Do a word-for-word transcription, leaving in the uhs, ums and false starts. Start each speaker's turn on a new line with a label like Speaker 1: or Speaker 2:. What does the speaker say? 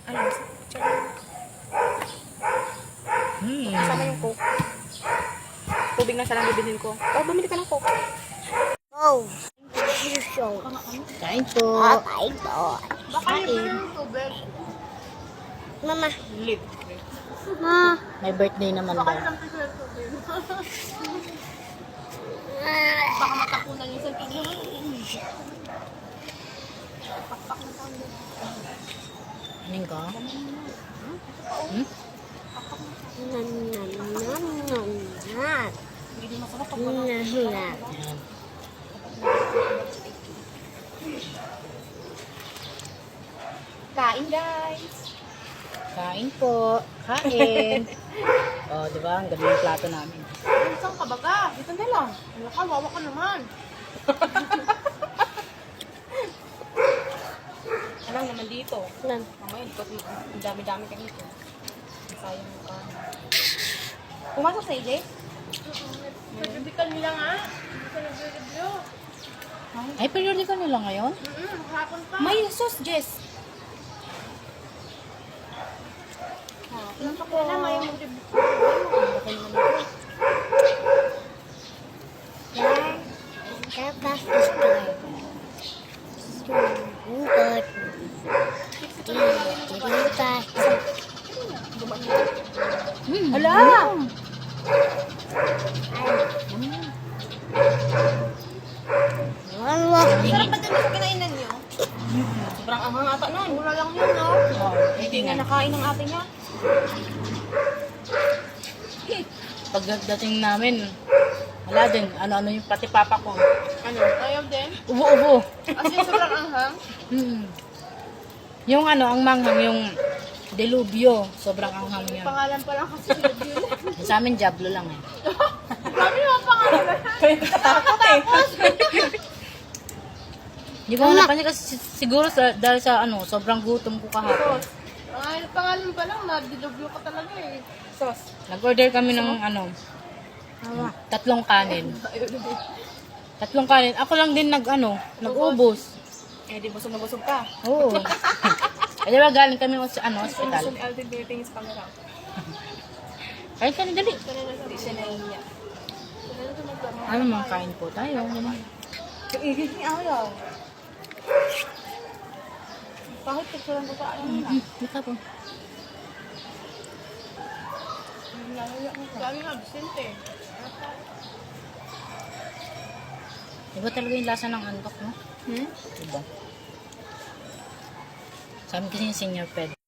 Speaker 1: Ano? Check.
Speaker 2: Hmm.
Speaker 1: Kasama yung coke. Tubig na siya lang bibilhin ko. Oh, bumili ka ng coke.
Speaker 3: Oh, you show.
Speaker 2: Kain po.
Speaker 3: Ah, kain po.
Speaker 1: Baka libre yung tubig.
Speaker 3: Mama.
Speaker 1: Libre.
Speaker 3: Ma.
Speaker 2: May birthday naman daw.
Speaker 1: Baka libre yung tubig. Baka matapunan yung isang kilo.
Speaker 2: Aning ka? Hmm?
Speaker 3: Nan, nan, nan, nan, nan.
Speaker 1: Hindi masarap pag
Speaker 3: Nan,
Speaker 1: wala.
Speaker 3: nan.
Speaker 2: Ayan.
Speaker 1: Kain, guys.
Speaker 2: Kain po. Kain. Oh, di ba? Ang galing yung plato namin.
Speaker 1: Saan ka baga? Dito na lang. Ano ka? Wawa ka naman. Anong naman dito?
Speaker 3: Nan.
Speaker 1: Mamaya, dito, ang dami-dami ka dito. Sayang mo ka. Pumasok sa A J? Nagbibikan nila nga. Hindi ka nag-review.
Speaker 2: Ay, periodical nila ngayon?
Speaker 1: Mm-mm, hapon pa. May sauce, Jess. Ilang pa kaya na, may mag-review. Bakit naman ito?
Speaker 3: Yan. Tapos start. Sumugod. Dilipat.
Speaker 2: Hmm.
Speaker 1: Hala!
Speaker 3: Wala.
Speaker 1: Sarap ba din sa kinainan niyo? Sobrang anghang ata nun. Mura lang yun, no?
Speaker 2: Oh,
Speaker 1: Hindi nga nakain ng ate niya.
Speaker 2: pagdating namin, wala din. Ano-ano yung pati papa ko.
Speaker 1: Ano? Ayaw din?
Speaker 2: Ubo-ubo.
Speaker 1: As in, sobrang anghang?
Speaker 2: Hmm. Yung ano, ang manghang, yung delubyo. Sobrang anghang yun.
Speaker 1: Pangalan pa lang kasi sila yun.
Speaker 2: Sa amin, Diablo lang eh.
Speaker 1: Grabe yung pangalan na. Kaya nakatakot eh.
Speaker 2: Hindi ko napansin kasi si- siguro sa, dahil sa ano, sobrang gutom ko kahapon.
Speaker 1: Ay, pangalan pa lang, madilubyo ka talaga eh. Sauce.
Speaker 2: Nag-order kami ng ano, tatlong kanin. Tatlong kanin. Ako lang din nag ano, nag-ubos.
Speaker 1: Eh, di busog na busog ka.
Speaker 2: Oo. Eh, di ba galing kami sa ano,
Speaker 1: Gusto
Speaker 2: hospital.
Speaker 1: ni Alvin binitingin sa camera.
Speaker 2: Kahit kanin dali.
Speaker 1: Hindi siya nahihiya.
Speaker 2: Ano mga kain po tayo. Ganun.
Speaker 1: Iigit ni ayaw. Kahit picturean ko sa ayaw na.
Speaker 2: Hmm, dito po.
Speaker 1: Dami nga, absent eh.
Speaker 2: Iba talaga yung lasa ng antok, no?
Speaker 1: Hmm?
Speaker 2: Diba? Sa amin kasi yung senior ped.